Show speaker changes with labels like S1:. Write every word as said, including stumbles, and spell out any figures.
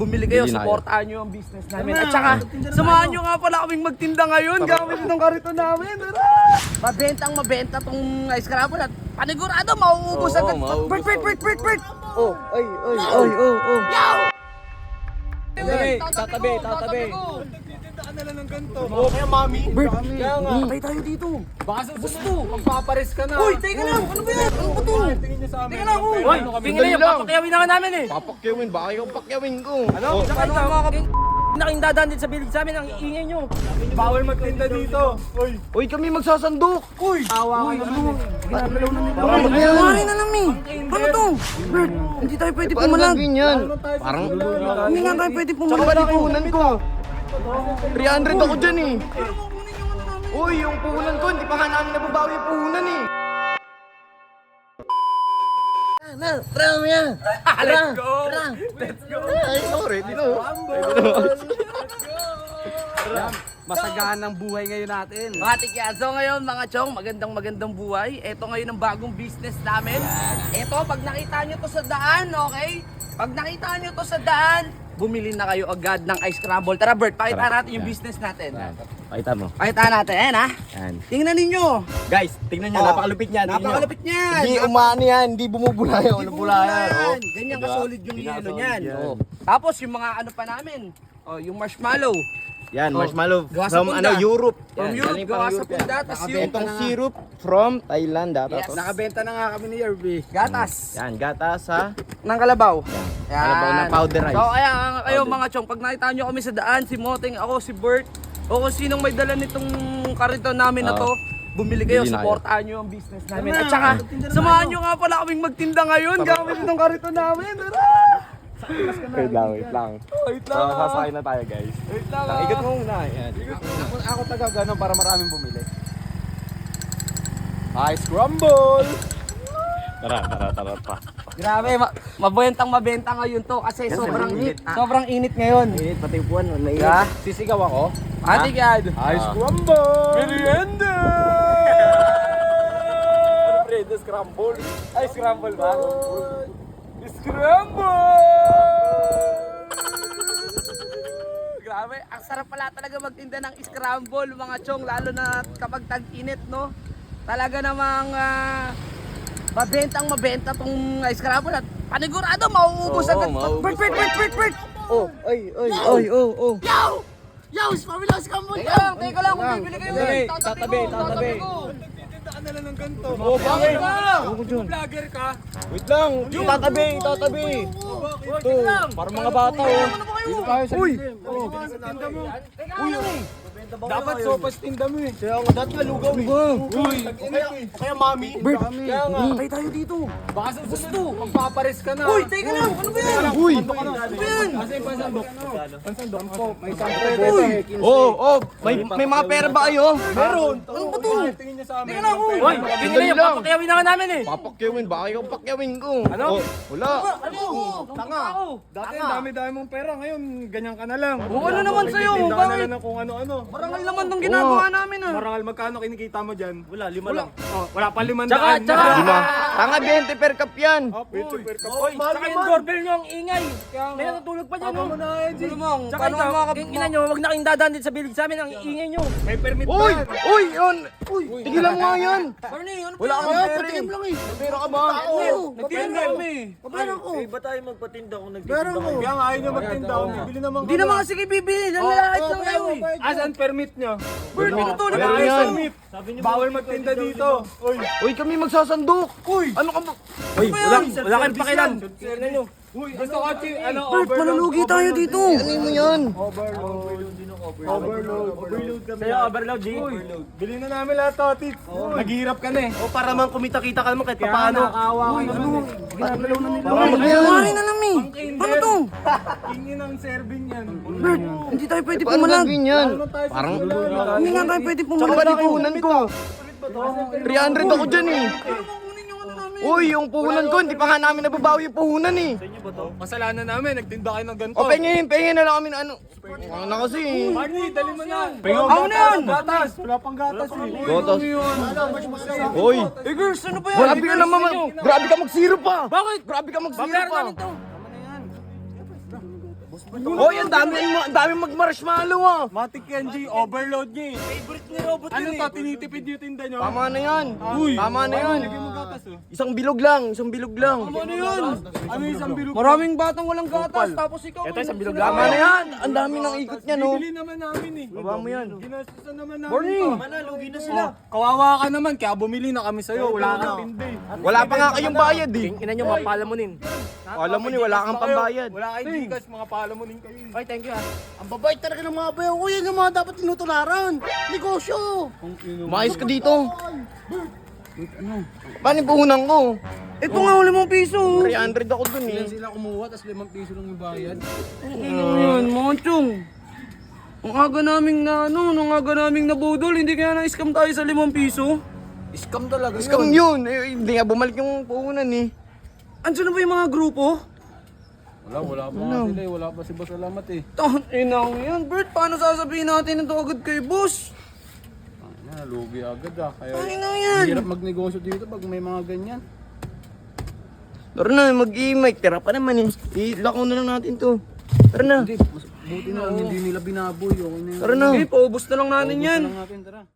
S1: bumili kayo, supportahan nyo yung business namin. At saka, samahan nyo nga pala kaming magtinda ngayon gamit itong karito namin. Tara! Mabentang mabenta tong ice crumble at panigurado, mauubos agad. Bert, Bert, Bert, Bert, Bert! Oh, ay, ay, ay, oh, oh.
S2: Tatabi, tatabi, tatabi.
S3: Nala ng ganito. Oo, kaya mami.
S1: Bert,
S3: Kaya nga.
S1: patay tayo dito.
S2: Baka sa gusto, magpapares ka na.
S1: Uy, teka lang, ano ba yan? Ano ba to?
S3: Tingin niyo sa amin.
S1: Teka lang, uy.
S2: Uy, tingin na yun, papakyawin na nga namin eh.
S3: Papakyawin, baka yung pakyawin ko.
S2: Ano? Tsaka ito mga kapag... Naking dadaan din sa bilig sa amin, ang iingay nyo.
S3: Bawal magtinda dito. Uy.
S1: Uy, kami magsasandok. Uy.
S2: Awa ka naman. Ginagalaw na nito.
S1: Nangyari na namin. Ano to? Bert, hindi tayo pwede pumalag.
S3: yan? Parang...
S1: Hindi nga tayo pwede
S3: Tsaka
S1: pumalag.
S3: ba puhunan ko? three hundred ako dyan eh. Uy, yung puhunan ko, hindi pa nga namin nababawi yung puhunan eh.
S1: Na, tara mo yan.
S2: Let's go!
S1: Let's go.
S3: Ay, no, ready na.
S2: Masagaan ang buhay ngayon natin.
S1: Mga tikyaso ngayon, mga chong, magandang magandang buhay. Ito ngayon ang bagong business namin. Ito, pag nakita nyo to sa daan, okay? Pag nakita nyo to sa daan, bumili na kayo agad ng ice crumble. Tara Bert, pakita natin yung business natin.
S3: Pakita mo.
S1: Pakita natin, ayan ha.
S3: Yan.
S1: Tingnan ninyo.
S3: Guys, tingnan nyo,
S1: Oh,
S3: napakalupit niyan.
S1: Napakalapit niyan.
S3: Hindi umani yan, hindi bumubulayan.
S1: Hindi
S3: Ano bulayan?
S1: bumulayan.
S3: Oh.
S1: Ganyan
S3: Diba?
S1: ka-solid yung
S3: Ganyan
S1: yelo
S3: ka-solid
S1: niyan.
S3: yan.
S1: Oh. Tapos yung mga ano pa namin, oh, yung marshmallow.
S3: Yan,
S1: Oh.
S3: marshmallow
S1: Gawa sa
S3: from
S1: punda.
S3: ano, Europe.
S1: From
S3: Yan,
S1: Europe,
S3: galing pa
S1: gawa
S3: ng
S1: sa
S3: Europe yan.
S1: punda. Tas yung
S3: Itong syrup from Thailand. Dapat.
S1: Yes.
S2: Nakabenta na nga kami ni Yerby.
S1: gatas
S3: Yan, gata sa...
S1: ng kalabaw. Yan.
S3: Kalabaw na powderized.
S1: So kaya nga kayo mga chong, pag nakita nyo kami sa daan, si Moteng, ako, si Bert, o kung sinong may dala nitong karito namin na to, bumili kayo,
S3: Bili na
S1: supportahan nyo yung business namin. At saka, samahan nyo nga pala kaming magtinda ngayon gamit itong karito namin. Tara!
S3: Wait lang, wait lang.
S1: Wait lang
S3: So,
S1: ah.
S3: sasakay na tayo guys.
S1: Wait lang
S3: Ah,
S1: ah.
S3: Ikot mo muna. Yan.
S2: Ako, ako taga gano'n para maraming bumili. Ice crumble!
S3: Tara, tara, tara, tara.
S1: Grabe, ma- mabentang mabenta ngayon to kasi sobrang init. Sobrang init ngayon.
S3: Init, pati upuan. Mainit.
S1: Yeah.
S2: Sisigaw ako.
S1: Ate Gad.
S2: Ice crumble!
S1: Merienda!
S2: Pre, the scramble. Ice crumble ba?
S1: Scramble! Grabe, ang sarap pala talaga magtinda ng scramble mga chong, lalo na kapag tag-init, no? Talaga namang uh, mabentang mabenta tong ice crumble at panigurado, mauubos
S3: Oo,
S1: agad.
S3: mauubos.
S1: Bert, Bert, Bert, Bert, Bert!
S3: Oh, ay, ay,
S1: Ay, oh, oh.
S4: Yo! Yo! Pamila sa kambol
S1: Teka lang, teka lang, kung bibili kayo.
S2: Tatabi,
S1: Tatabi ko,
S2: tatabi,
S1: tatabi ko.
S3: nala ng ganito.
S2: Oh, bakit?
S3: Vlogger ka? Wait lang, tatabi, tatabi. Ito, para mga bata oh.
S2: Dito tayo sa
S3: Uy!
S2: lilim.
S3: Tinda mo.
S1: Teka lang eh.
S2: Dapat sopas tinda mo eh.
S3: Kaya nga, dati nga lugaw eh.
S2: Uy,
S3: Kaya, kaya mami.
S1: Bert,
S2: Kaya nga.
S1: patay tayo dito.
S2: Baka sa gusto, magpapares ka na.
S1: Uy, teka lang, ano ba yan?
S3: Uy!
S1: Ano ba yan?
S2: Kasi yung pansandok. Pansandok po, may sampo.
S1: Uy!
S3: Oh, oh, may may mga pera ba kayo?
S2: Meron.
S1: Ano ba to?
S3: Tingin niyo sa amin.
S1: Teka lang, uy.
S2: Uy, tingin na yun,
S3: lang.
S2: papakyawin na nga namin eh.
S3: Papakyawin, baka yung pakyawin ko.
S2: Ano?
S3: Oh, wala.
S1: Ano?
S2: Tanga. Dati ang dami-dami mong pera, ngayon ganyan ka na lang.
S1: Oo, ano naman sa'yo?
S2: Tinda ka na
S1: Bakit?
S2: lang ng kung ano-ano.
S1: Marangal naman nung ginagawa namin ah.
S2: Marangal, magkano kinikita mo dyan? Wala, lima lang. Oh, wala pa limandaan.
S1: Tsaka, tsaka.
S3: Lima. Tanga twenty per cup yan.
S2: Oh, per cup. Oy, tsaka yung doorbell nyo ang ingay. May natutulog pa dyan, no?
S1: Ano mo?
S2: Tsaka
S1: Paano
S2: ikaw,
S1: ka mga
S2: ina nyo, wag na kayong dadaan din sa bilig sa amin, ang ingay nyo. May permit pa.
S3: Uy! Uy! Yun! Uy! Tigilan mo nga yan!
S1: Barney, ano
S3: Wala ka
S1: ba?
S3: bang pera eh.
S1: lang eh.
S3: Pera ka ba?
S1: Nagtinda kami.
S4: Pabera ko. Eh, ba't tayo magpatinda kung nagtitinda
S2: Pera ko. Kaya nga ayaw nyo magtinda. Bibili naman
S1: Hindi naman kasi kayo bibili. Nalalait lang kayo eh.
S2: Asan permit nyo?
S1: Bert, ano to?
S3: Wala
S1: Nag-
S3: yan.
S2: Bawal magtinda dito. Uy,
S3: Uy, kami magsasandok! Uy! Ano ka ba?
S2: Uy, wala, wala kayong pakilan. Tignan nyo. Uy, gusto ko chi, ano,
S1: Bert, malulugi tayo dito.
S3: Ano mo yan?
S2: overload. Overload kami. Sa'yo, overload, G. Overload. Bilhin na namin lahat to, Tit. Naghihirap ka na eh.
S3: O para man kumita-kita ka naman kahit
S2: Kaya
S3: paano.
S2: nakakawa kayo. Ano? Ginagalaw na nila.
S1: Nangyari na namin. Paano to?
S2: Tingin ang serving yan.
S1: Bert, hindi tayo pwede
S3: Paano
S1: pumalag.
S3: gagawin yan?
S2: Parang
S1: Hindi nga tayo pwede
S3: Tsaka ba
S1: pumalag.
S3: di puhunan ko? three hundred ako dyan eh. Uy, yung puhunan ko, hindi pa nga namin nababawi yung puhunan eh.
S2: Kasalanan namin, nagtinda kayo ng ganito.
S3: O pengin, pengin na lang kami na ano. Ano na kasi eh.
S2: Marty, dali mo na.
S1: Ako na yan.
S2: Gatas. Wala pang gatas eh.
S3: Gotos. Uy,
S1: Eh girls, ano ba yan?
S3: grabe ka naman. Grabe ka magsiro pa.
S1: Bakit?
S3: Grabe ka magsiro
S1: Babayaran
S3: pa.
S1: namin to.
S3: Hoy, ang dami, ang dami mag-marshmallow ah.
S2: Matik yan, G. Overload niya eh.
S4: Favorite ni Robot
S2: Ano
S4: yun
S2: to?
S4: eh.
S2: Tinitipid yung tinda nyo?
S3: Tama na yan.
S2: Uy!
S3: Tama na yan.
S2: Lagyan mo gatas oh.
S3: Isang bilog lang, isang bilog lang.
S1: Ano yun?
S2: Ano yung isang bilog?
S1: Maraming batang walang gatas, tapos ikaw. Ito isang bilog
S3: Tama na yan. Ang dami ng ikot niya, no?
S2: Bibili naman namin eh.
S3: Baba mo yan.
S2: Ginastusan naman namin.
S3: Morning.
S2: to.
S4: Mana, lugi na sila.
S2: Kawawa ka naman, kaya bumili na kami sa'yo. Wala kang tindi.
S3: Wala pa nga kayong bayad eh.
S1: Ina nyo, mapalamunin.
S3: Alam mo ni, wala kang pambayad.
S2: Wala kayong gigas, mga pala mo din kayo. eh.
S1: Ay, thank you ah.
S4: Ang babait talaga ng mga bayaw ko. Yan yung mga dapat tinutularan. Negosyo.
S3: Maayos ka dito. Paano yung puhunan ko?
S1: Ito nga, limang piso.
S3: three hundred ako dun eh.
S2: Sila kumuha, tapos limang piso lang yung bayad.
S1: Ano yan, mga chong? Ang aga naming na ano, ang aga naming nabudol, hindi kaya na-scam tayo sa limang piso?
S4: Scam talaga
S3: Scam yun. Eh, hindi nga bumalik yung puhunan eh.
S1: Andiyan na ba yung mga grupo?
S2: Wala, wala pa nga sila eh. Wala pa si Boss Alamat eh.
S1: Tahan inang yan, Bert. Paano sasabihin natin ito agad kay boss?
S2: Ah, lugi agad ah. Kaya
S1: Ay, na yan.
S2: hirap magnegosyo dito pag may mga ganyan.
S3: Tara na, mag-i-mic. Tira pa naman eh. I-lako na lang natin to. Tara na.
S2: Hindi, mas buti na lang hindi nila binaboy. Okay na yun.
S3: Tara na.
S1: Okay, paubos na lang natin yan.
S2: Lang natin, tara.